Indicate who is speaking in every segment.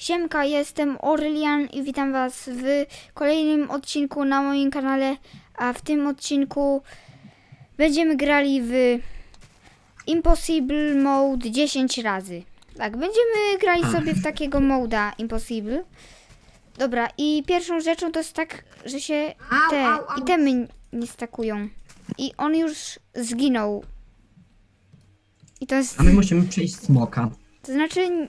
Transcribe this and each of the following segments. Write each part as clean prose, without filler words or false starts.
Speaker 1: Siemka, jestem Orlian i witam was w kolejnym odcinku na moim kanale, a w tym odcinku będziemy grali w Impossible Mode 10 razy. Tak, będziemy grali sobie w takiego moda Impossible. Dobra, i pierwszą rzeczą to jest tak, że się te itemy nie stakują. I on już zginął. I to jest...
Speaker 2: A my musimy przejść smoka.
Speaker 1: To znaczy...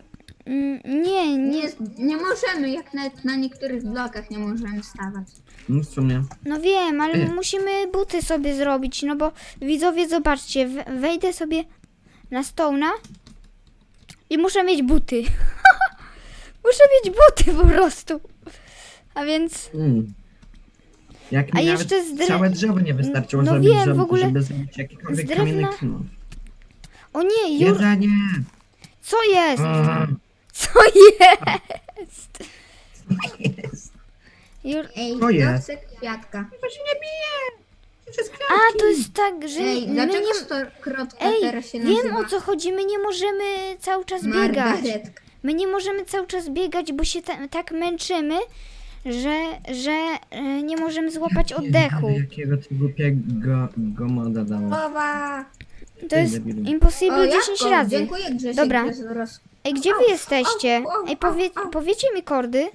Speaker 3: Nie możemy, jak nawet na niektórych blokach nie możemy stawać.
Speaker 2: No w sumie.
Speaker 1: No wiem, ale musimy buty sobie zrobić, no bo widzowie, zobaczcie, wejdę sobie na Stone'a i muszę mieć buty. Muszę mieć buty po prostu. A więc...
Speaker 2: Jak
Speaker 1: A
Speaker 2: mi
Speaker 1: jeszcze
Speaker 2: nawet całe drzewo nie wystarczyło
Speaker 1: No
Speaker 2: zrobić,
Speaker 1: wiem, w ogóle
Speaker 2: żeby zrobić jakikolwiek
Speaker 1: z drewna-
Speaker 2: kamienny knur.
Speaker 1: O nie, Jur...
Speaker 2: Jedzenie!
Speaker 1: Co jest?
Speaker 2: A,
Speaker 1: Co jest?
Speaker 2: jest.
Speaker 3: Ej,
Speaker 2: To jest.
Speaker 3: chcę kwiatka.
Speaker 2: To się nie bije! Przez
Speaker 1: A, to jest tak, że
Speaker 3: Ej,
Speaker 1: my
Speaker 3: dlaczego
Speaker 1: nie...
Speaker 3: krotka
Speaker 1: Ej,
Speaker 3: teraz się nazywa?
Speaker 1: wiem o co chodzi, my nie możemy cały czas biegać.
Speaker 3: Margaretka.
Speaker 1: My nie możemy cały czas biegać, bo się tak męczymy, że nie możemy złapać oddechu.
Speaker 2: Jakiego ty głupiego moda dało.
Speaker 3: Mowa.
Speaker 1: To jest
Speaker 2: debilu.
Speaker 1: Impossible 10
Speaker 3: Jacko,
Speaker 1: razy.
Speaker 3: Dziękuję, Grzesiek.
Speaker 1: Dobra.
Speaker 3: Za
Speaker 1: Ej, gdzie wy jesteście? Ej, powiecie mi kordy?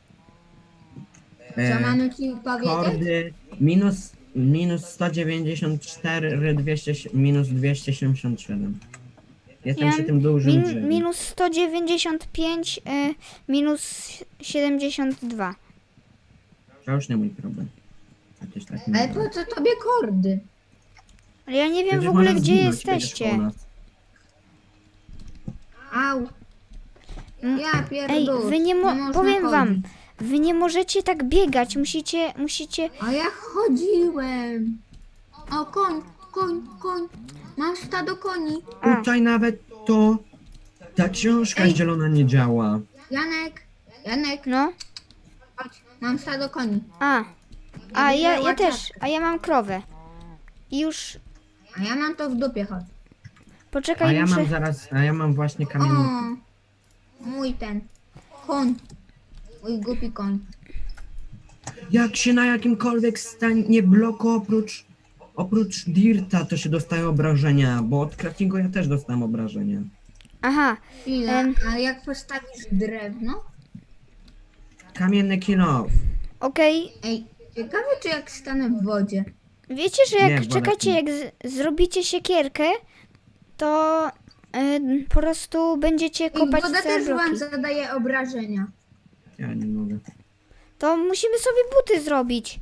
Speaker 3: Co mamy ci powiedzieć?
Speaker 2: Kordy minus 194, 200, minus 277. Jestem przy tym dużym drzewie.
Speaker 1: minus 195, minus 72.
Speaker 2: To już nie mój problem. Chociaż tak nie
Speaker 3: Ale
Speaker 2: było.
Speaker 3: po co tobie kordy?
Speaker 1: Ale ja nie wiem
Speaker 2: Będziesz
Speaker 1: w ogóle,
Speaker 2: można
Speaker 1: gdzie
Speaker 2: zginąć, będziesz
Speaker 1: jesteście.
Speaker 2: po nas.
Speaker 3: Au. Ja
Speaker 1: Ej,
Speaker 3: pierdolę.
Speaker 1: wy nie powiem wam,
Speaker 3: chodzić.
Speaker 1: wy nie możecie tak biegać, musicie...
Speaker 3: A ja chodziłem. O, koń. Mam stado koni.
Speaker 1: A.
Speaker 2: Tutaj nawet ta książka
Speaker 3: Ej.
Speaker 2: zielona nie działa.
Speaker 3: Janek,
Speaker 1: No,
Speaker 3: chodź. Mam stado koni.
Speaker 1: a ja
Speaker 3: widziała
Speaker 1: też,
Speaker 3: czapkę.
Speaker 1: a ja mam krowę. I już,
Speaker 3: A ja mam to w dupie, chodź.
Speaker 1: poczekaj,
Speaker 2: A ja mam właśnie
Speaker 3: O,
Speaker 2: kamienny.
Speaker 3: mój ten. Koń. Mój głupi koń.
Speaker 2: Jak się na jakimkolwiek stanie bloku oprócz dirta, to się dostaje obrażenia, bo od craftingu ja też dostałem obrażenia.
Speaker 1: Aha,
Speaker 3: Chwila, a jak postawisz drewno?
Speaker 2: Kamienny kill-off.
Speaker 1: okej.
Speaker 3: Ej, ciekawe czy jak stanę w wodzie.
Speaker 1: Wiecie, że jak,
Speaker 2: Nie, woda
Speaker 1: czekajcie,
Speaker 2: nie.
Speaker 1: jak zrobicie siekierkę, to po prostu będziecie
Speaker 3: Ej,
Speaker 1: kopać
Speaker 3: woda
Speaker 1: całe
Speaker 3: też wam
Speaker 1: bloki.
Speaker 3: zadaje obrażenia.
Speaker 2: Ja nie mogę.
Speaker 1: To musimy sobie buty zrobić.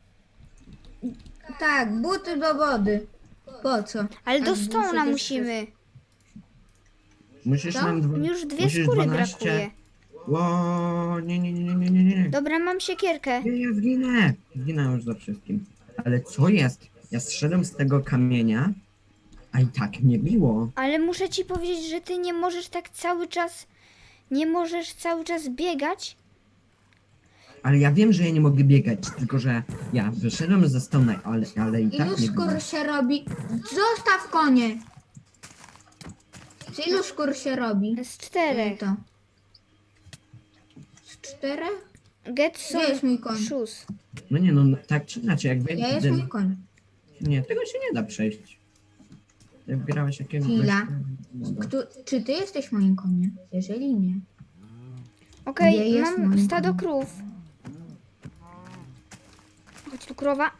Speaker 3: Tak, buty do wody. Po co?
Speaker 1: Ale do
Speaker 3: Jak
Speaker 1: Stone'a
Speaker 3: przecież
Speaker 1: musimy.
Speaker 2: Musisz
Speaker 3: Co?
Speaker 2: nam
Speaker 1: Już dwie
Speaker 2: musisz
Speaker 1: skóry
Speaker 2: 12.
Speaker 1: brakuje.
Speaker 2: Ło, nie.
Speaker 1: Dobra, mam siekierkę.
Speaker 2: Nie, ja zginę. Zginę już za wszystkim. Ale co jest? Ja zszedłem z tego kamienia, a i tak mnie biło.
Speaker 1: Ale muszę ci powiedzieć, że ty nie możesz tak cały czas... Nie możesz cały czas biegać.
Speaker 2: Ale ja wiem, że ja nie mogę biegać, tylko że ja wyszedłem ze stona, ale i tak
Speaker 3: Ilu
Speaker 2: nie biło.
Speaker 3: skór się robi? Zostaw konie! Z ilu skór się robi?
Speaker 1: Z 4.
Speaker 3: To. Z 4?
Speaker 1: Get
Speaker 3: Gdzie
Speaker 1: some
Speaker 3: jest mój koń?
Speaker 1: shoes.
Speaker 2: No nie no, tak czy inaczej, jak
Speaker 3: Ja jest
Speaker 2: wejdę...
Speaker 3: mój koń.
Speaker 2: Nie, tego się nie da przejść. Ty wgrałeś jakiegoś...
Speaker 3: Chwila.
Speaker 2: moda.
Speaker 3: Czy ty jesteś moim koniem? Jeżeli nie.
Speaker 1: Okej,
Speaker 3: Gdzie jest
Speaker 1: mam
Speaker 3: mój
Speaker 1: stado
Speaker 3: koń?
Speaker 1: krów. Chodź tu, krowa.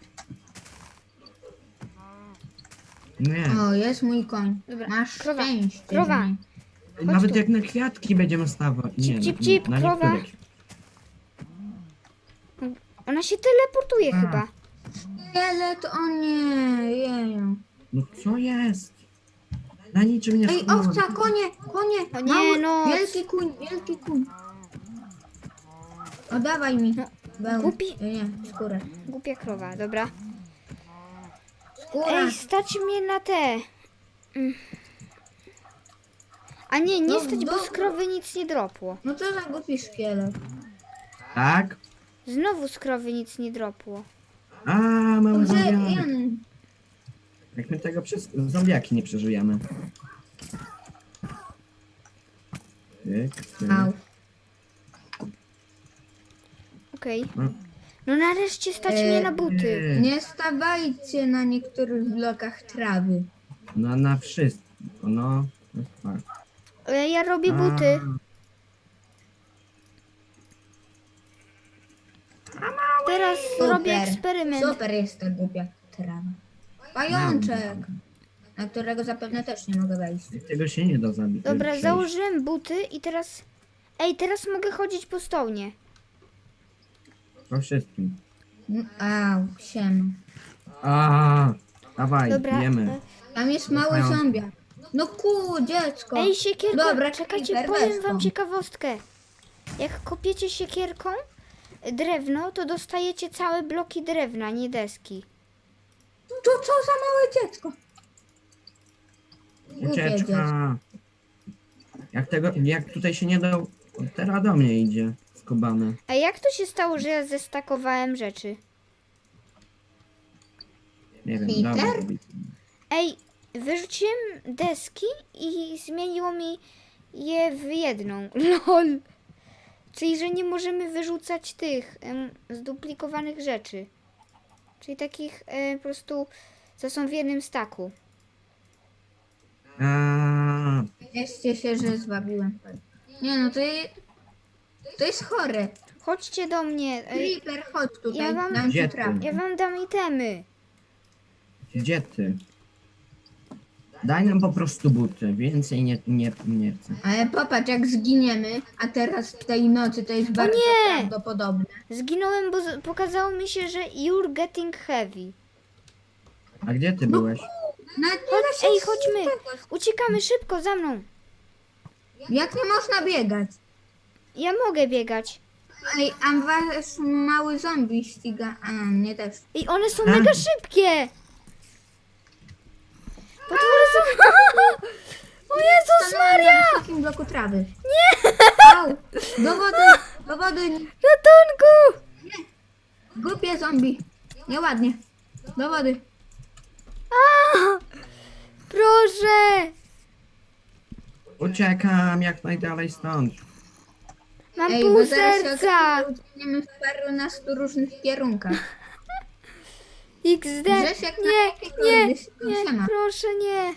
Speaker 2: Nie,
Speaker 3: O, jest mój koń.
Speaker 1: Dobra,
Speaker 3: Masz
Speaker 1: krowa,
Speaker 3: szczęście.
Speaker 1: krowa.
Speaker 3: że nie.
Speaker 2: nawet
Speaker 1: tu.
Speaker 2: jak na kwiatki będziemy stawać. Nie,
Speaker 1: Cip, cip,
Speaker 2: na
Speaker 1: krowa.
Speaker 2: niektórych.
Speaker 1: Ona się teleportuje chyba.
Speaker 3: Szkielet, o nie, jeju.
Speaker 2: No co jest? Na niczym nie
Speaker 3: Ej,
Speaker 2: skupiłem.
Speaker 3: owca, konie!
Speaker 1: O nie,
Speaker 3: Mały,
Speaker 1: no.
Speaker 3: Wielki kuń. Oddawaj mi.
Speaker 1: Głupi.
Speaker 3: Nie, skórę.
Speaker 1: Głupia krowa, dobra.
Speaker 3: Skóra.
Speaker 1: Ej, stać mnie na te. A nie, nie
Speaker 3: No,
Speaker 1: stać, bo
Speaker 3: dobra.
Speaker 1: z krowy nic nie dropło.
Speaker 3: No co za głupi szkielet.
Speaker 2: Tak?
Speaker 1: Znowu z krowy nic nie dropło.
Speaker 2: A, mamy
Speaker 3: Gdzie,
Speaker 2: zombiaki.
Speaker 3: Jan?
Speaker 2: Jak my tego przez zombiaki nie przeżyjemy. Tyk, tyk.
Speaker 3: Au.
Speaker 1: Okej.
Speaker 2: No.
Speaker 1: No nareszcie stać mnie na buty.
Speaker 3: Nie stawajcie na niektórych blokach trawy.
Speaker 2: No na wszystko, no. To jest fakt.
Speaker 1: Ja robię buty. Teraz robię eksperyment.
Speaker 3: Super jest ta głupia trawa. Pajączek, na którego zapewne też nie mogę wejść.
Speaker 2: Tego się nie da zabić.
Speaker 1: Dobra,
Speaker 2: przejść.
Speaker 1: założyłem buty i teraz... Ej, teraz mogę chodzić po stołnie.
Speaker 2: Po wszystkim.
Speaker 3: Au, siema.
Speaker 2: Dawaj,
Speaker 1: Dobra.
Speaker 2: jemy.
Speaker 3: Tam jest mały
Speaker 2: Pajączek.
Speaker 3: zombie. No dziecko.
Speaker 1: Ej, siekierka,
Speaker 3: Dobra,
Speaker 1: czekajcie,
Speaker 3: Creeper,
Speaker 1: powiem
Speaker 3: weź
Speaker 1: wam
Speaker 3: to.
Speaker 1: ciekawostkę. Jak kopiecie siekierką drewno, to dostajecie całe bloki drewna, nie deski.
Speaker 3: To co za małe dziecko? Głupie dziecko.
Speaker 2: Ucieczka. Jak tutaj się nie dał, teraz do mnie idzie skubany.
Speaker 1: A jak to się stało, że ja zestakowałem rzeczy?
Speaker 2: Nie wiem,
Speaker 3: Peter?
Speaker 2: dobra. robić.
Speaker 1: Ej, wyrzuciłem deski i zmieniło mi je w jedną. LOL. Czyli, że nie możemy wyrzucać tych zduplikowanych rzeczy. Czyli takich po prostu, co są w jednym staku.
Speaker 3: Cieszcie się, że zwabiłem. Nie no, to jest chore.
Speaker 1: Chodźcie do mnie.
Speaker 3: Creeper, chodź tutaj,
Speaker 1: Ja wam-
Speaker 3: dam
Speaker 2: Gdzie
Speaker 3: ci
Speaker 2: ty?
Speaker 3: trawę.
Speaker 1: Ja wam dam itemy.
Speaker 2: Gdzie ty? Daj nam po prostu buty, więcej nie chcę.
Speaker 3: Ale popatrz, jak zginiemy, a teraz w tej nocy to jest bardzo
Speaker 1: nie!
Speaker 3: prawdopodobne.
Speaker 1: Zginąłem, bo pokazało mi się, że you're getting heavy.
Speaker 2: A gdzie ty byłeś?
Speaker 3: Nawet nie da się
Speaker 1: Ej, chodźmy. Uciekamy szybko, za mną.
Speaker 3: Jak nie można biegać?
Speaker 1: Ja mogę biegać.
Speaker 3: Ej, a wasz mały zombie ściga. A, mnie też.
Speaker 1: I one są mega szybkie. Potwory są... O Jezus Maria!
Speaker 3: W takim bloku trawy. Nie! Au, do wody,
Speaker 1: Ratunku!
Speaker 3: głupie zombie. Nieładnie. Do wody.
Speaker 1: A! Proszę!
Speaker 2: Uciekam jak najdalej stąd.
Speaker 1: Mam
Speaker 3: Ej,
Speaker 1: pół
Speaker 3: bo zaraz się
Speaker 1: serca.
Speaker 3: okaże, że uciekniemy w parunastu różnych kierunkach.
Speaker 1: XD.
Speaker 3: Grzesiek na
Speaker 1: Nie,
Speaker 3: jakiekolwiek
Speaker 1: nie,
Speaker 3: siema.
Speaker 1: proszę nie.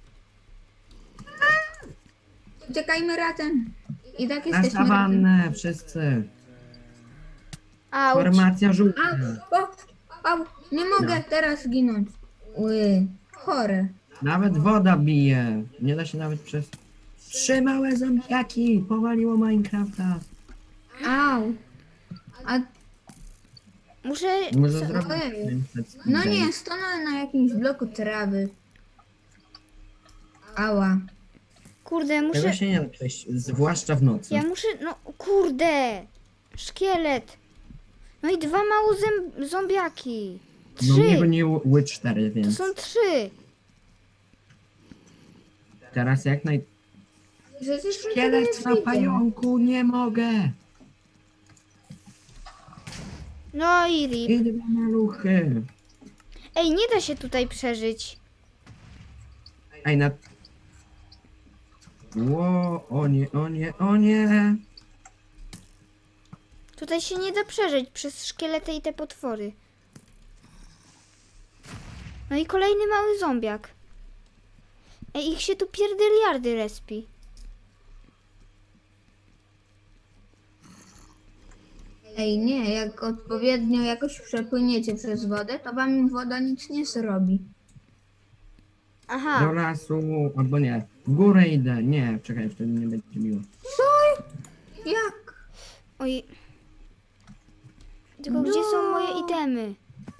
Speaker 3: Uciekajmy razem. I tak
Speaker 2: Na
Speaker 3: jesteśmy razem.
Speaker 2: sawannę wszyscy.
Speaker 1: Auć.
Speaker 2: Formacja żółta.
Speaker 3: Au, nie mogę teraz zginąć. Chore.
Speaker 2: Nawet woda bije. Nie da się nawet przez... 3 małe zombiaki powaliło Minecrafta.
Speaker 3: Au. A
Speaker 1: Muszę...
Speaker 2: Może
Speaker 1: co-
Speaker 2: zrobić
Speaker 3: Ojej.
Speaker 2: 500
Speaker 3: no
Speaker 2: skrzydel.
Speaker 3: nie, stanąłem na jakimś bloku trawy. Ała.
Speaker 1: Kurde,
Speaker 2: Tego
Speaker 1: muszę...
Speaker 2: się nie da przejść, zwłaszcza w nocy.
Speaker 1: Ja muszę... No kurde. Szkielet. No i 2 małe zombiaki.
Speaker 2: No mnie
Speaker 1: 3.
Speaker 2: goniły 4,
Speaker 1: To
Speaker 2: więc
Speaker 1: są 3.
Speaker 2: teraz jak naj...
Speaker 3: Przecież mi to
Speaker 2: Szkielet
Speaker 3: jest
Speaker 2: na
Speaker 3: widzę.
Speaker 2: pająku, nie mogę.
Speaker 1: No i rip.
Speaker 2: I 2 maluchy.
Speaker 1: Ej, nie da się tutaj przeżyć.
Speaker 2: Ej, na... Ło, o nie, o nie, o nie.
Speaker 1: Tutaj się nie da przeżyć przez szkielety i te potwory. No i kolejny mały zombiak. Ej, ich się tu pierdyliardy respi.
Speaker 3: Ej, nie, jak odpowiednio jakoś przepłyniecie przez wodę, to wam woda nic nie zrobi.
Speaker 1: Aha.
Speaker 2: Do lasu, albo nie. W górę idę. Nie, czekaj, wtedy nie będzie miło.
Speaker 3: Jak?
Speaker 1: Oj. Tylko gdzie są moje itemy?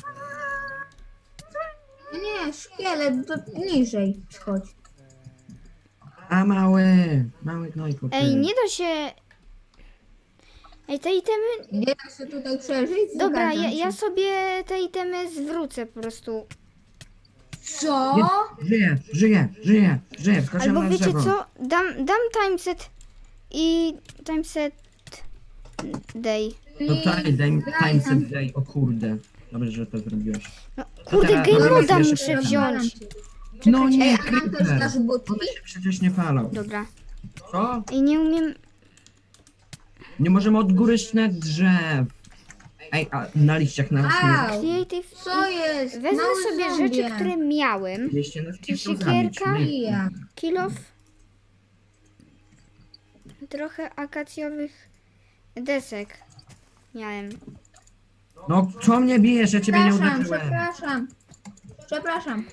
Speaker 3: Nie, szkielet, to niżej schodź.
Speaker 2: A mały gnojku. ty.
Speaker 1: Ej, nie da się... Ej, te itemy...
Speaker 3: Nie da się tutaj przeżyć?
Speaker 1: Dobra,
Speaker 3: Zgadzam
Speaker 1: ja
Speaker 3: się.
Speaker 1: sobie te itemy zwrócę po prostu.
Speaker 3: Co?
Speaker 2: Żyję. Wskoczyłem
Speaker 1: Albo
Speaker 2: na
Speaker 1: wiecie
Speaker 2: drzewo.
Speaker 1: co? Dam timeset i timeset day.
Speaker 2: No tak, daj mi
Speaker 3: Daj
Speaker 2: time
Speaker 3: nam.
Speaker 2: set day, o kurde. Dobrze, że to zrobiłeś.
Speaker 1: No, kurde,
Speaker 2: teraz?
Speaker 1: game
Speaker 2: Dobra,
Speaker 1: moda
Speaker 2: jeszcze
Speaker 1: muszę
Speaker 2: pytam.
Speaker 1: wziąć.
Speaker 2: No
Speaker 3: Ej,
Speaker 2: nie,
Speaker 3: a nam też
Speaker 2: creeper.
Speaker 3: dasz butki?
Speaker 2: One się przecież nie palą.
Speaker 1: Dobra.
Speaker 2: Co?
Speaker 1: I nie umiem...
Speaker 2: Nie możemy odgóryć na drzew. Ej, a na liściach na
Speaker 3: Au!
Speaker 1: Creative.
Speaker 3: Co jest?
Speaker 1: Wezmę
Speaker 3: Mały
Speaker 1: sobie
Speaker 3: zombie.
Speaker 1: rzeczy, które miałem.
Speaker 2: Liście nas
Speaker 1: Czy
Speaker 2: nie chcą zabić,
Speaker 1: siekierka?
Speaker 2: nie?
Speaker 3: Ja.
Speaker 1: Kill off. Trochę akacjowych desek miałem.
Speaker 2: No co mnie bijesz, ja ciebie nie
Speaker 3: Przepraszam,
Speaker 2: uderzyłem.
Speaker 3: przepraszam. Przepraszam.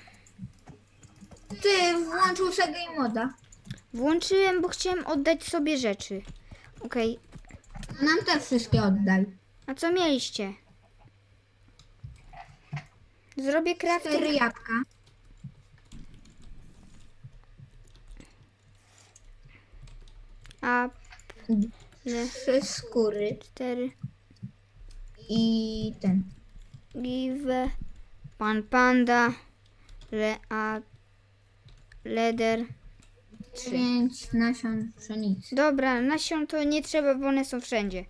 Speaker 3: Ty włączył sobie game moda.
Speaker 1: Włączyłem, bo chciałem oddać sobie rzeczy. Okej,
Speaker 3: Nam te wszystkie oddaj.
Speaker 1: a co mieliście? Zrobię
Speaker 3: 4
Speaker 1: crafting.
Speaker 3: jabłka.
Speaker 1: A le,
Speaker 3: 3 skóry.
Speaker 1: 4
Speaker 3: I ten.
Speaker 1: give pan panda leder.
Speaker 3: 5 nasion pszenicy.
Speaker 1: Dobra, nasion to nie trzeba, bo one są wszędzie.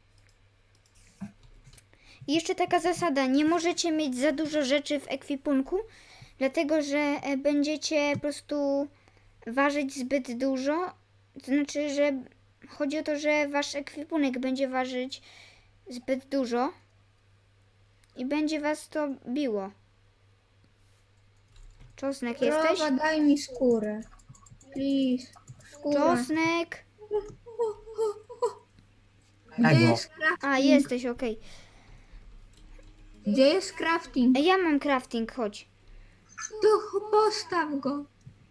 Speaker 1: I jeszcze taka zasada, nie możecie mieć za dużo rzeczy w ekwipunku, dlatego że będziecie po prostu ważyć zbyt dużo. To znaczy, że chodzi o to, że wasz ekwipunek będzie ważyć zbyt dużo i będzie was to biło. Czosnek jesteś?
Speaker 3: Krowa, daj mi skórę. Please. Skórę.
Speaker 1: Czosnek!
Speaker 3: Gdzie
Speaker 2: Tego.
Speaker 3: jest crafting?
Speaker 1: A, jesteś, okej.
Speaker 3: Gdzie jest crafting?
Speaker 1: Ja mam crafting, chodź.
Speaker 3: To postaw go.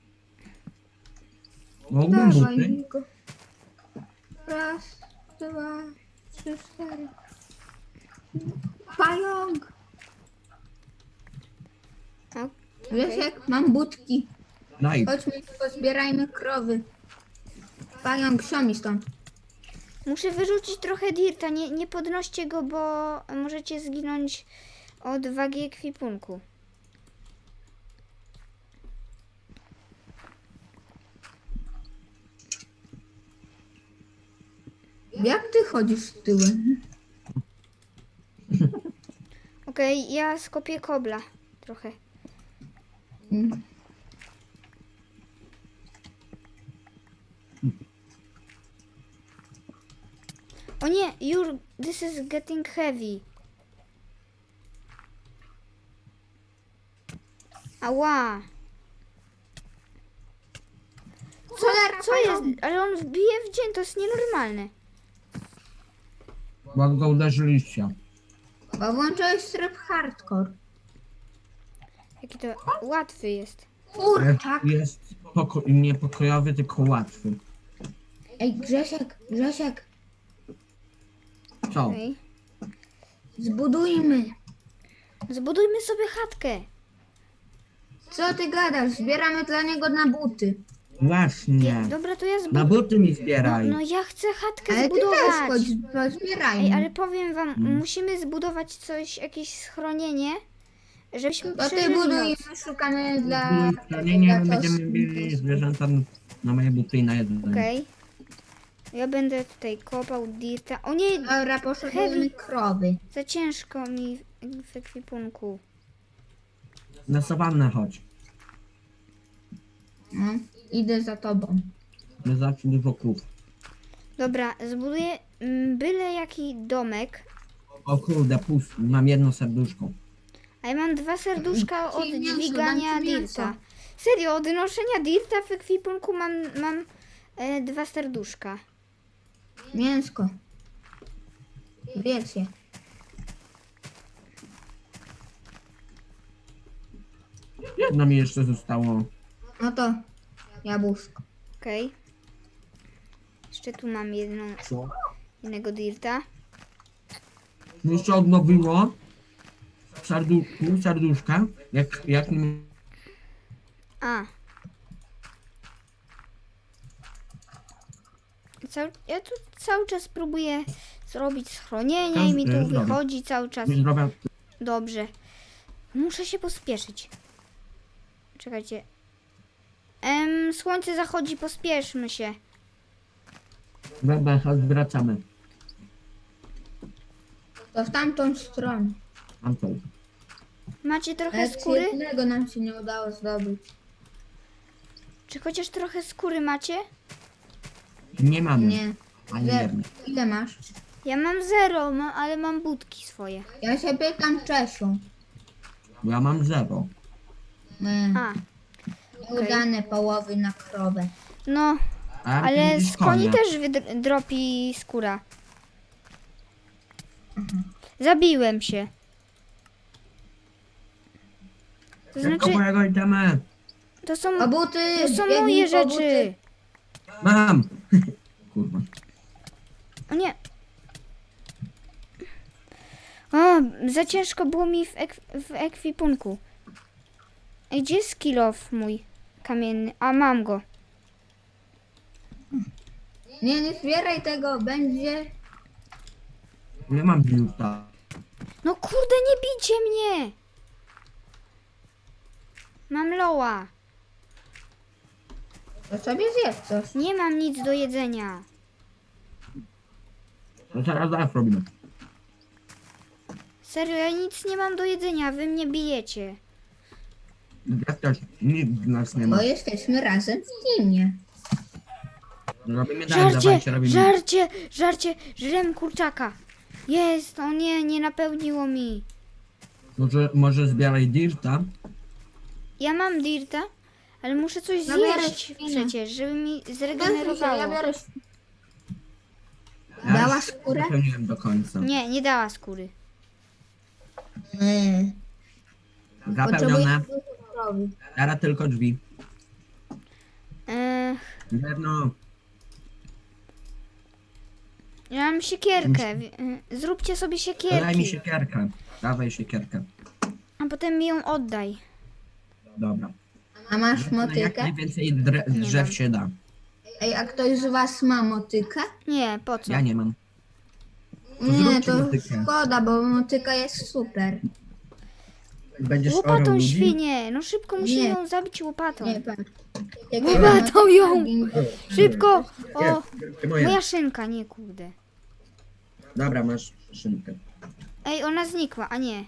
Speaker 2: Mógłbym
Speaker 3: Dawaj
Speaker 2: buty?
Speaker 3: mi go. Raz, 2, 3, 4. Pająk.
Speaker 1: O,
Speaker 3: Grzesiek, mam budki.
Speaker 2: Daj.
Speaker 3: Chodźmy, pozbierajmy krowy. Pająk, siomi stąd.
Speaker 1: Muszę wyrzucić trochę dirta, nie podnoście go, bo możecie zginąć od wagi ekwipunku.
Speaker 3: Jak ty chodzisz tyłem?
Speaker 1: Okej, ja skopię kobla trochę.
Speaker 3: Mm.
Speaker 1: O nie, this is getting heavy. Ała.
Speaker 3: Cholera,
Speaker 1: Co jest? Ale on wbije w dzień, to jest nienormalne.
Speaker 2: Bo go uderzyliście.
Speaker 3: Bo włączyłeś tryb hardcore.
Speaker 1: Jaki to łatwy jest.
Speaker 3: Kurczak.
Speaker 2: Jest niepokojowy, tylko łatwy.
Speaker 3: Ej, Grzesiek,
Speaker 2: Co?
Speaker 1: Okej.
Speaker 3: zbudujmy.
Speaker 1: Zbudujmy sobie chatkę.
Speaker 3: Co ty gadasz? Zbieramy dla niego na buty.
Speaker 2: Właśnie.
Speaker 1: Dobra, to ja
Speaker 2: Na
Speaker 1: zbuduję.
Speaker 2: buty mi zbieraj.
Speaker 1: No ja chcę chatkę
Speaker 3: Ale ty też
Speaker 1: zbudować.
Speaker 3: chodź, pozbierajmy.
Speaker 1: Ej, ale powiem wam, musimy zbudować coś, jakieś schronienie, żebyśmy
Speaker 3: To ty
Speaker 1: przeżyli
Speaker 3: buduj i
Speaker 1: noc.
Speaker 3: my szukamy dla...
Speaker 2: Nie
Speaker 3: dla
Speaker 2: będziemy
Speaker 3: czosnku.
Speaker 2: mieli zwierzęta na moje buty i na jedno.
Speaker 1: Okej. Ja będę tutaj kopał dirta. O nie,
Speaker 3: Dobra, poszukujemy
Speaker 1: Heavy.
Speaker 3: krowy.
Speaker 1: za ciężko mi w ekwipunku.
Speaker 2: Na sawannę chodź.
Speaker 3: No, idę za tobą.
Speaker 2: Jest zawsze dużo krów.
Speaker 1: Dobra, zbuduję byle jaki domek.
Speaker 2: O kurde, pusty. Mam jedno serduszko.
Speaker 1: A ja mam 2 serduszka od
Speaker 3: Ci mięso,
Speaker 1: dźwigania
Speaker 3: dam ci mięso.
Speaker 1: dirta. Serio, od noszenia dirta w ekwipunku mam 2 serduszka.
Speaker 3: Mięsko. Wiecie.
Speaker 2: Jedno mi jeszcze zostało.
Speaker 3: No to jabłuszko.
Speaker 1: Okej. Jeszcze tu mam
Speaker 2: Co?
Speaker 1: jednego dirta.
Speaker 2: Jeszcze odnowiło serduszka. Jak
Speaker 1: A. Ja tu cały czas próbuję zrobić schronienie i mi tu
Speaker 2: Dobra.
Speaker 1: wychodzi cały czas.
Speaker 2: zdrowia.
Speaker 1: Dobrze. Muszę się pospieszyć. Czekajcie. Słońce zachodzi, pospieszmy się.
Speaker 2: Dobra, chodź, wracamy.
Speaker 3: To w tamtą stronę.
Speaker 2: Antol.
Speaker 1: Macie trochę
Speaker 3: Ale
Speaker 1: skóry?
Speaker 3: jednego nam się nie udało zdobyć.
Speaker 1: Czy chociaż trochę skóry macie?
Speaker 2: Nie mamy.
Speaker 3: Nie.
Speaker 2: Ani
Speaker 3: Ile,
Speaker 2: jednej.
Speaker 3: ile masz?
Speaker 1: Ja mam 0, ale mam budki swoje.
Speaker 3: Ja się pytam Czesiu.
Speaker 2: Ja mam 0.
Speaker 1: A,
Speaker 3: Udane połowy na krowę.
Speaker 1: no,
Speaker 2: A ja
Speaker 1: ale
Speaker 2: widzisz
Speaker 1: z koni
Speaker 2: konia.
Speaker 1: też dropi skóra. Zabiłem się. To
Speaker 2: Szybko
Speaker 1: znaczy,
Speaker 2: mojego itemy.
Speaker 1: to są,
Speaker 3: O buty!
Speaker 1: to są
Speaker 3: biegnij
Speaker 1: moje
Speaker 3: po
Speaker 1: rzeczy.
Speaker 3: buty.
Speaker 2: Mam! Kurwa.
Speaker 1: O nie. O, za ciężko było mi w ekwipunku. Ej, gdzie jest kill off mój kamienny? A, mam go.
Speaker 3: Nie zbieraj tego, będzie...
Speaker 2: Nie mam biuta.
Speaker 1: No kurde, nie bijcie mnie! Mam loła.
Speaker 3: To sobie zjedz coś.
Speaker 1: Nie mam nic do jedzenia.
Speaker 2: No zaraz robimy.
Speaker 1: Serio, ja nic nie mam do jedzenia, wy mnie bijecie.
Speaker 2: Ja też. Nikt z nas nie ma.
Speaker 3: Bo jesteśmy razem w teamie.
Speaker 2: Robimy dalej,
Speaker 1: Żarcie,
Speaker 2: dawajcie, robimy.
Speaker 1: żarcie, żrem kurczaka. Jest, o nie napełniło mi.
Speaker 2: Może zbieraj dirta?
Speaker 1: Ja mam dirta, ale muszę coś
Speaker 3: Ja biorę
Speaker 1: zjeść
Speaker 3: świnę.
Speaker 1: przecież, żeby mi
Speaker 3: Ja
Speaker 1: zregenerowało.
Speaker 3: biorę...
Speaker 2: Ja
Speaker 3: Dała
Speaker 2: już
Speaker 3: skórę?
Speaker 2: wypełniłem do końca.
Speaker 1: Nie dała skóry.
Speaker 2: Zapełnione.
Speaker 3: Potrzebuję krowy.
Speaker 2: Teraz tylko drzwi.
Speaker 1: Eee,
Speaker 2: No,
Speaker 1: ja mam siekierkę. Zróbcie sobie
Speaker 2: daj mi
Speaker 1: siekierki,
Speaker 2: siekierkę. Dawaj siekierkę.
Speaker 1: a potem mi ją oddaj.
Speaker 2: Dobra.
Speaker 3: A masz
Speaker 2: Jak
Speaker 3: motykę?
Speaker 2: najwięcej drzew
Speaker 1: mam.
Speaker 2: się da.
Speaker 3: Ej, a ktoś z was ma motykę?
Speaker 1: Nie, po co?
Speaker 2: Ja nie mam.
Speaker 3: Nie,
Speaker 2: zróbcie
Speaker 3: to
Speaker 2: motykę.
Speaker 3: szkoda, bo motyka jest super.
Speaker 2: Będziesz orał
Speaker 1: Łopatą
Speaker 2: ludzi?
Speaker 1: świnię, no szybko musimy
Speaker 3: Nie.
Speaker 1: ją zabić łopatą.
Speaker 3: Nie, patrz.
Speaker 1: Łopatą ją! Szybko! O,
Speaker 2: Ty moje.
Speaker 1: moja szynka, nie kurde.
Speaker 2: Dobra, masz szynkę.
Speaker 1: Ej, ona znikła, a nie.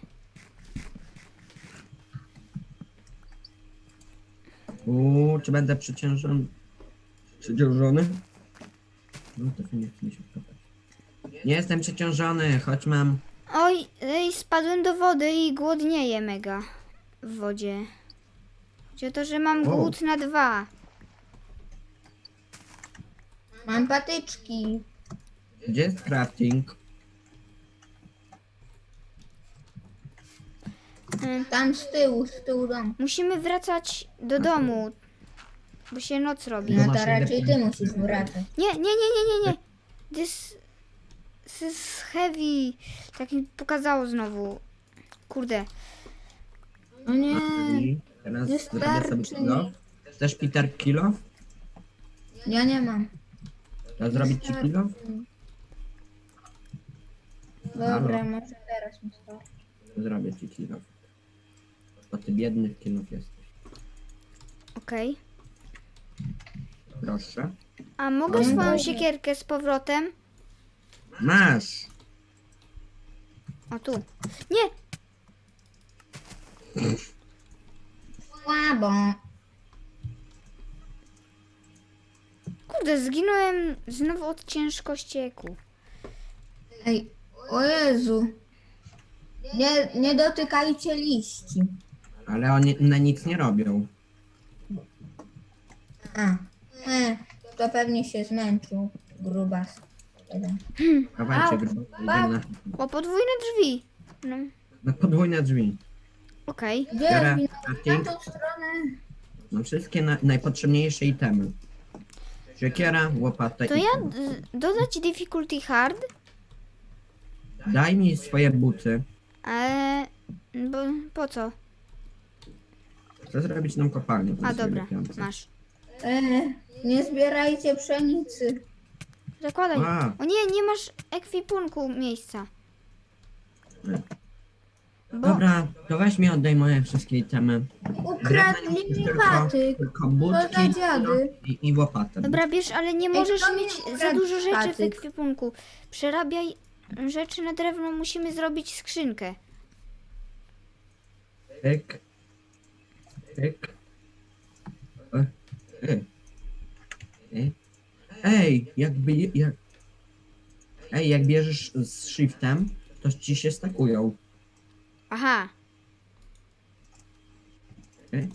Speaker 2: Czy będę przeciążony? Przeciążony? No to nie chce mi się wkopać. Nie jestem przeciążony, choć mam...
Speaker 1: Ej, spadłem do wody i głodnieję mega w wodzie. Chodzi o to, że mam
Speaker 2: O.
Speaker 1: głód na 2.
Speaker 3: Mam patyczki.
Speaker 2: Gdzie jest crafting?
Speaker 3: Tam z tyłu dom.
Speaker 1: Musimy wracać do domu, bo się noc robi.
Speaker 3: No
Speaker 2: masz
Speaker 3: to raczej ty
Speaker 2: lepiej.
Speaker 3: musisz wracać.
Speaker 1: Nie. This is heavy. Tak mi pokazało znowu. Kurde.
Speaker 3: O nie,
Speaker 2: I teraz
Speaker 3: nie
Speaker 2: zrobię sobie
Speaker 3: starczy
Speaker 2: kilo. Chcesz Peter kilo?
Speaker 3: ja nie mam.
Speaker 2: To zrobić ci kilo?
Speaker 3: Dobra, może teraz mi starczy.
Speaker 2: Zrobię ci kilo. Bo ty biednych kilów jesteś.
Speaker 1: Okej.
Speaker 2: Proszę.
Speaker 1: A mogę swoją siekierkę z powrotem?
Speaker 2: Masz!
Speaker 1: O tu. Nie!
Speaker 3: Słabo.
Speaker 1: Kurde, zginąłem znowu od ciężkościeku.
Speaker 3: Ej, o Jezu. Nie dotykajcie liści.
Speaker 2: Ale one nic nie robią.
Speaker 3: A, to pewnie się zmęczył. Grubas.
Speaker 2: Dawajcie,
Speaker 3: Au,
Speaker 2: grubo.
Speaker 3: au.
Speaker 2: Idziemy
Speaker 1: O, podwójne drzwi. No,
Speaker 2: na podwójne drzwi.
Speaker 1: okej.
Speaker 3: Gdzie
Speaker 2: Biorę
Speaker 3: na
Speaker 2: crafting.
Speaker 3: tą stronę?
Speaker 2: No wszystkie najpotrzebniejsze itemy. Siekiera, łopata
Speaker 1: To
Speaker 2: i...
Speaker 1: ja dodać difficulty hard?
Speaker 2: Daj mi swoje buty.
Speaker 1: Bo po co?
Speaker 2: Chcę zrobić nam kopalnię. to
Speaker 1: A
Speaker 2: jest
Speaker 1: dobra,
Speaker 2: lepiące.
Speaker 1: masz.
Speaker 3: Nie zbierajcie pszenicy.
Speaker 1: Zakładaj.
Speaker 2: A.
Speaker 1: O nie masz ekwipunku miejsca. Bo
Speaker 2: Dobra, to weź mi oddaj moje wszystkie itemy.
Speaker 3: Ukradli mi patyk.
Speaker 2: tylko budki
Speaker 3: za dziady?
Speaker 2: i łopatę.
Speaker 1: dobra, bierz, ale nie możesz
Speaker 3: kto mi
Speaker 1: mieć za
Speaker 3: ukradł
Speaker 1: dużo rzeczy w
Speaker 3: patyk?
Speaker 1: ekwipunku. Przerabiaj rzeczy na drewno, musimy zrobić skrzynkę.
Speaker 2: Pyk. Pyk. Ej, jakby... Ej, jak bierzesz z shiftem, to ci się stakują.
Speaker 1: Aha.
Speaker 2: Ej.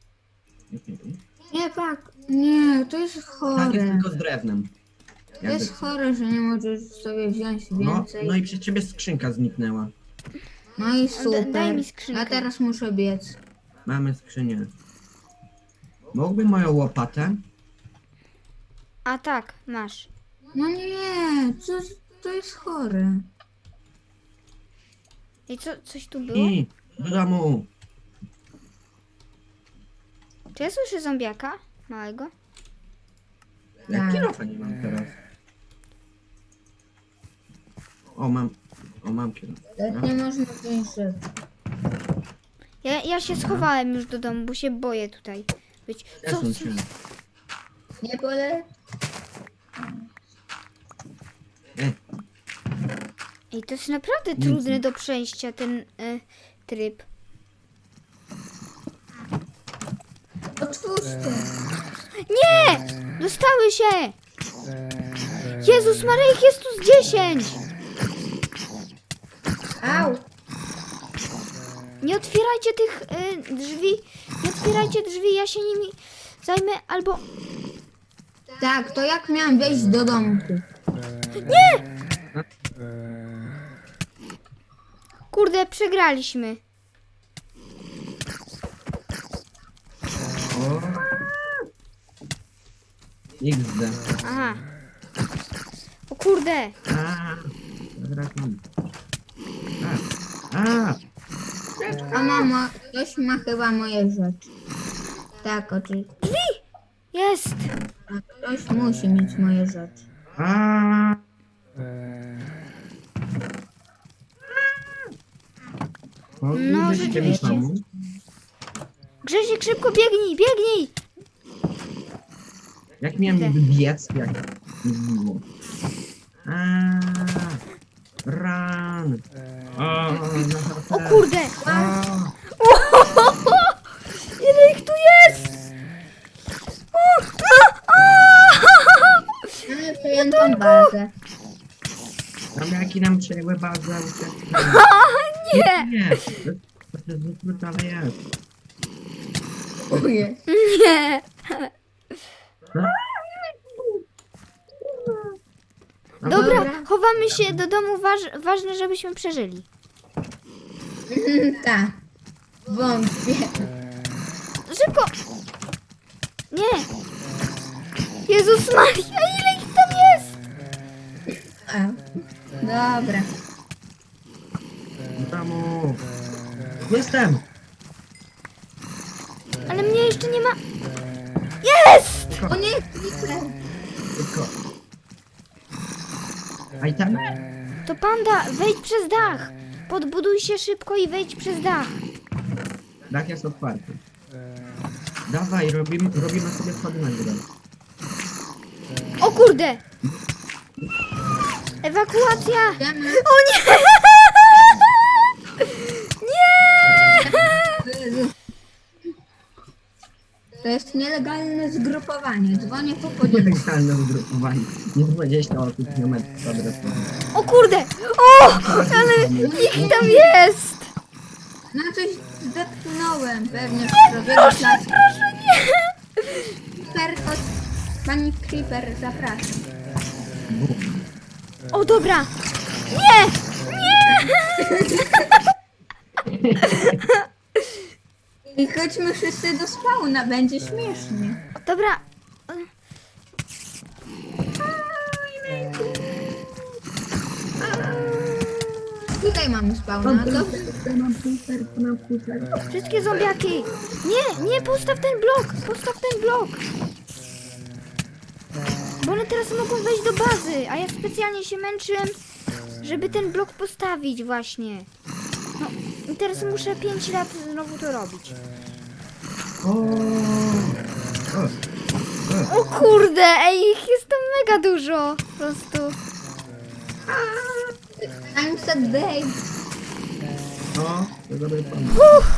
Speaker 3: Nie, tak. Nie, to jest
Speaker 2: Tak, jest
Speaker 3: chore.
Speaker 2: tylko z drewnem.
Speaker 3: To jest chore, że nie możesz sobie wziąć
Speaker 2: No,
Speaker 3: więcej.
Speaker 2: no i przez ciebie skrzynka zniknęła.
Speaker 3: No i super.
Speaker 1: daj mi skrzynkę.
Speaker 3: Ja teraz muszę biec.
Speaker 2: Mamy skrzynię. Mógłby moją łopatę?
Speaker 1: A tak, masz.
Speaker 3: No nie, to jest chore.
Speaker 1: I co, coś tu było?
Speaker 2: I do domu.
Speaker 1: Czy ja słyszę zombiaka? Małego?
Speaker 2: Jak
Speaker 3: Tak.
Speaker 2: kierowa nie mam teraz. O, mam kierowcę.
Speaker 3: Tak nie można wziąć rzeczy.
Speaker 1: Ja się schowałem już do domu, bo się boję tutaj być. Co?
Speaker 2: Przesuń się.
Speaker 3: Nie pole?
Speaker 2: Ej,
Speaker 1: Ej, to jest naprawdę trudny do przejścia ten tryb.
Speaker 3: Otwórz to.
Speaker 1: Nie! Dostały się! Jezus Maria, ich jest tu z 10!
Speaker 3: Au!
Speaker 1: Nie otwierajcie tych drzwi. Nie otwierajcie drzwi, ja się nimi zajmę albo...
Speaker 3: Tak, to jak miałam wejść do domku?
Speaker 1: Kurde, przegraliśmy.
Speaker 2: o. XD.
Speaker 1: Aha. O kurde.
Speaker 2: A, wracam. A.
Speaker 3: A mama, ktoś ma chyba moje rzeczy. Tak, oczywiście.
Speaker 1: Jest.
Speaker 3: Ktoś musi mieć moje rzeczy.
Speaker 2: A. O,
Speaker 1: No,
Speaker 2: idę się
Speaker 1: rzeczywiście.
Speaker 2: pomóc.
Speaker 1: Grzesiek, szybko biegnij, biegnij!
Speaker 2: Jak miałem
Speaker 1: Idę.
Speaker 2: niby biec, jak nie było. Run!
Speaker 1: O kurde! Ile ich tu jest?
Speaker 3: Ale przejęłam bazę.
Speaker 2: Zombiaki nam przejęły bazę.
Speaker 1: Nie!
Speaker 2: Nie! To jest zwykle, ale jest.
Speaker 3: Uje.
Speaker 1: Nie! Dobra, chowamy się do domu, ważne, żebyśmy przeżyli.
Speaker 3: Tak. Wątpię.
Speaker 1: Szybko! Nie! Jezus Maria, ile ich tam jest?
Speaker 3: A. Dobra.
Speaker 2: W domu. Jestem!
Speaker 1: Ale mnie jeszcze nie ma... Jest!
Speaker 3: O nie, Creeper.
Speaker 2: Tylko. A i tam?
Speaker 1: To panda, wejdź przez dach. Podbuduj się szybko i wejdź przez dach.
Speaker 2: Dach jest otwarty. Dawaj, robimy sobie schody na górę.
Speaker 1: O kurde! Ewakuacja!
Speaker 3: Idziemy.
Speaker 1: O nie! Nie!
Speaker 3: To jest nielegalne zgrupowanie. Dzwonię po policję.
Speaker 2: Nielegalne zgrupowanie. Nie 20 osób kilometrów kwadratowych.
Speaker 1: O kurde! O! Ale ich tam jest!
Speaker 3: No coś zdepchnąłem. Pewnie
Speaker 1: Proszę, proszę, nie!
Speaker 3: Creeper, to... Pani Creeper, zapraszam.
Speaker 1: O dobra! Nie! Nie!
Speaker 3: I chodźmy wszyscy do spawna, będzie śmiesznie.
Speaker 1: Dobra.
Speaker 3: Tutaj mamy spawna, to...
Speaker 1: Wszystkie zombiaki! Nie, nie, postaw ten blok! Postaw ten blok! Bo one teraz mogą wejść do bazy, a ja specjalnie się męczyłem, żeby ten blok postawić właśnie. No i teraz muszę 5 lat znowu to robić. O kurde, ej, ich jest tam mega dużo. Po prostu.
Speaker 3: I'm so babe.
Speaker 2: No, to dobry pomysł.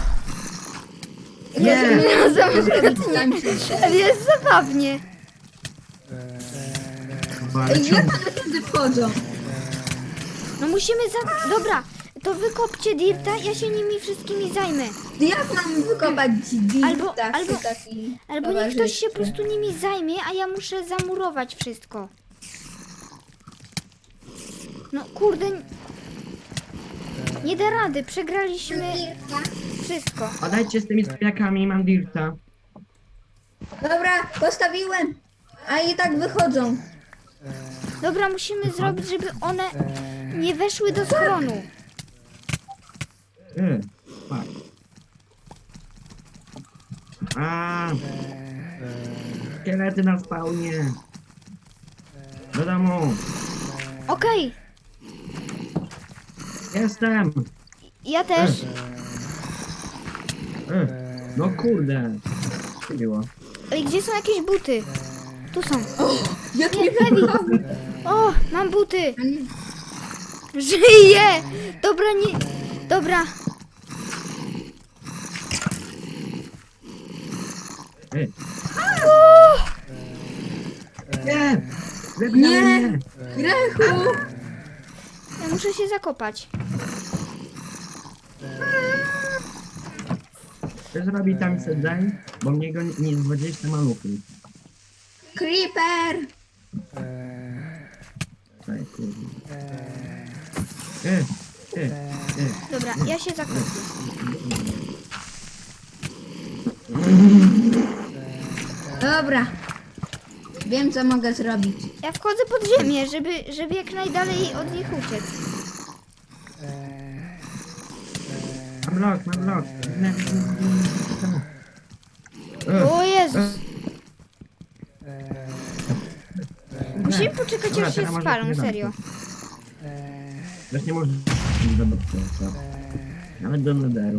Speaker 3: Nie,
Speaker 1: Ale jest zabawnie.
Speaker 2: Ale
Speaker 3: Ej, jak one tędy wchodzą?
Speaker 1: No musimy Dobra, to wykopcie dirta, ja się nimi wszystkimi zajmę.
Speaker 3: Jak mam wykopać
Speaker 1: Albo-
Speaker 3: dirta
Speaker 1: albo-
Speaker 3: przy takim
Speaker 1: Albo niech ktoś się po
Speaker 3: towarzystwie?
Speaker 1: prostu nimi zajmie, a ja muszę zamurować wszystko. No kurde. Nie da rady, przegraliśmy wszystko.
Speaker 2: Odejdźcie z tymi kwiakami, mam dirta.
Speaker 3: Dobra, postawiłem. A i tak wychodzą.
Speaker 1: Dobra, musimy zrobić, żeby one nie weszły do schronu.
Speaker 2: Fuck. A. Szkielety na spawnie. Do domu.
Speaker 1: Okej,
Speaker 2: Jestem.
Speaker 1: ja też.
Speaker 2: No kurde. Co było?
Speaker 1: Ej, gdzie są jakieś buty? Tu są.
Speaker 3: Jak
Speaker 1: Nie,
Speaker 3: mnie
Speaker 1: Heavy.
Speaker 3: wypchały.
Speaker 1: O, mam buty. Żyję! Dobra, nie... Dobra.
Speaker 2: Ej.
Speaker 1: O!
Speaker 2: Nie!
Speaker 3: Nie!
Speaker 2: Wypnij mnie!
Speaker 3: Grechu!
Speaker 1: Ja muszę się zakopać.
Speaker 2: Co zrobi tam sedaj? Bo mnie go nie 20 maluchów.
Speaker 3: Creeper!
Speaker 2: Ej, kurde.
Speaker 1: Dobra, ja się zakopię.
Speaker 3: Dobra. Wiem, co mogę zrobić.
Speaker 1: Ja wchodzę pod ziemię, żeby jak najdalej od nich uciec.
Speaker 2: Mam blok.
Speaker 1: O Jezus. Musimy poczekać,
Speaker 2: Dobra,
Speaker 1: aż się
Speaker 2: teraz może
Speaker 1: spalą,
Speaker 2: nie
Speaker 1: serio.
Speaker 2: Też nie można zobaczyć co. Nawet do nederu.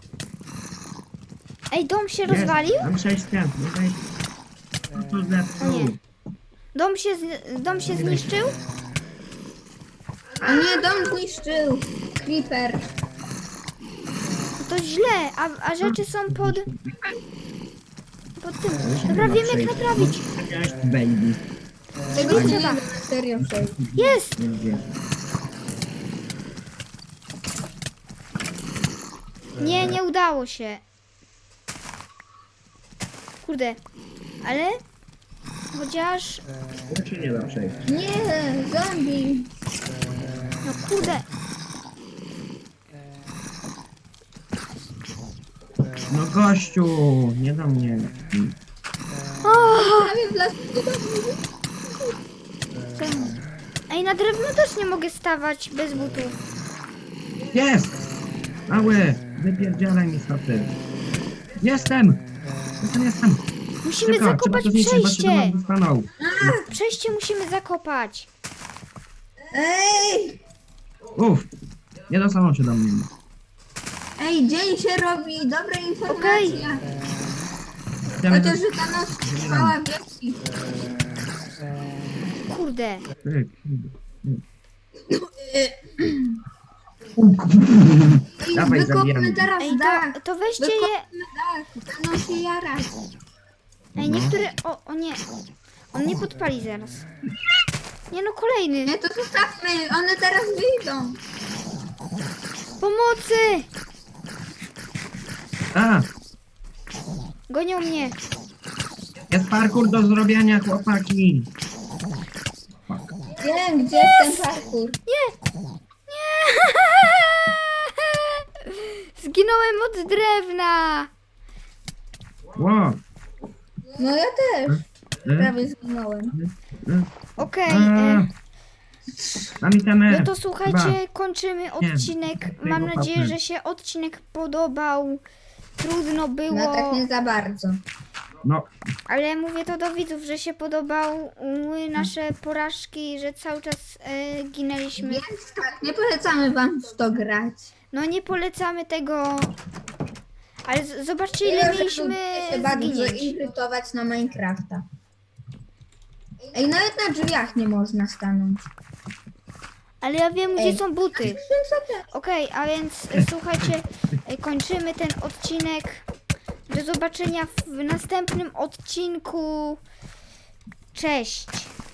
Speaker 1: Ej, dom się rozwalił?
Speaker 2: Mam 6 pięt, nie wejść. To
Speaker 1: O
Speaker 2: zepsuł.
Speaker 1: nie. Dom się zniszczył?
Speaker 3: O nie, dom zniszczył. Creeper.
Speaker 1: To źle, a rzeczy są pod tym. Dobra, wiem jak naprawić.
Speaker 2: Cześć, baby.
Speaker 3: Tego
Speaker 1: Nie
Speaker 3: nie
Speaker 1: trzeba.
Speaker 3: da serio przejść.
Speaker 1: Jest!
Speaker 2: Nie wiem.
Speaker 1: Nie udało się. Kurde. Ale... Chociaż...
Speaker 2: To się nie da przejść.
Speaker 3: Nie, zombie.
Speaker 1: No kurde.
Speaker 2: No gościu, nie do mnie.
Speaker 3: Prawie wlazłem do domu.
Speaker 1: Ej, na drewno też nie mogę stawać bez butów.
Speaker 2: Jest! Mały, wypierdzielaj mi staty. Jestem!
Speaker 1: Musimy
Speaker 2: Szybko,
Speaker 1: zakopać
Speaker 2: trzeba to zniszczyć, bo się do nas
Speaker 1: przejście.
Speaker 2: dostaną.
Speaker 1: Przejście musimy zakopać.
Speaker 3: Ej!
Speaker 2: Nie dostaną się do mnie.
Speaker 3: Ej, dzień się robi. Dobra informacja.
Speaker 2: Idziemy
Speaker 3: Chociaż, że ta noc trwała wieki.
Speaker 1: Kurde.
Speaker 3: Ej,
Speaker 2: Dawaj,
Speaker 3: wykopmy
Speaker 2: zabijamy.
Speaker 3: teraz
Speaker 1: Ej,
Speaker 3: dach.
Speaker 1: to weźcie je...
Speaker 3: Wykopmy dach. Ta noc się jara.
Speaker 1: Ej, niektóre... O nie. On nie podpali zaraz. Nie no, kolejny.
Speaker 3: Nie, to zostawmy. One teraz wyjdą.
Speaker 1: Pomocy!
Speaker 2: A!
Speaker 1: Gonią mnie.
Speaker 2: Jest parkour do zrobienia, chłopaki.
Speaker 3: Wiem, gdzie jest ten parkour.
Speaker 1: Nie! Nie! Zginąłem od drewna.
Speaker 2: Ło!
Speaker 3: No ja też.
Speaker 2: E?
Speaker 3: Prawie zginąłem.
Speaker 1: Okej.
Speaker 2: Mam itemy.
Speaker 1: No to słuchajcie, kończymy odcinek. Mam nadzieję, że się odcinek podobał. Trudno
Speaker 3: No
Speaker 1: było,
Speaker 3: tak nie za bardzo.
Speaker 2: No,
Speaker 1: ale mówię to do widzów, że się podobały nasze porażki, że cały czas ginęliśmy.
Speaker 3: Więc tak, nie polecamy wam w to grać.
Speaker 1: No nie polecamy tego, ale zobaczcie ile mieliśmy
Speaker 3: Lubię się bardzo
Speaker 1: zginięć.
Speaker 3: irytować na Minecrafta. Ej, nawet na drzwiach nie można stanąć.
Speaker 1: Ale ja wiem, gdzie
Speaker 3: Ej.
Speaker 1: są buty.
Speaker 3: Czym sobie?
Speaker 1: Okej, a więc słuchajcie, kończymy ten odcinek. Do zobaczenia w następnym odcinku. Cześć!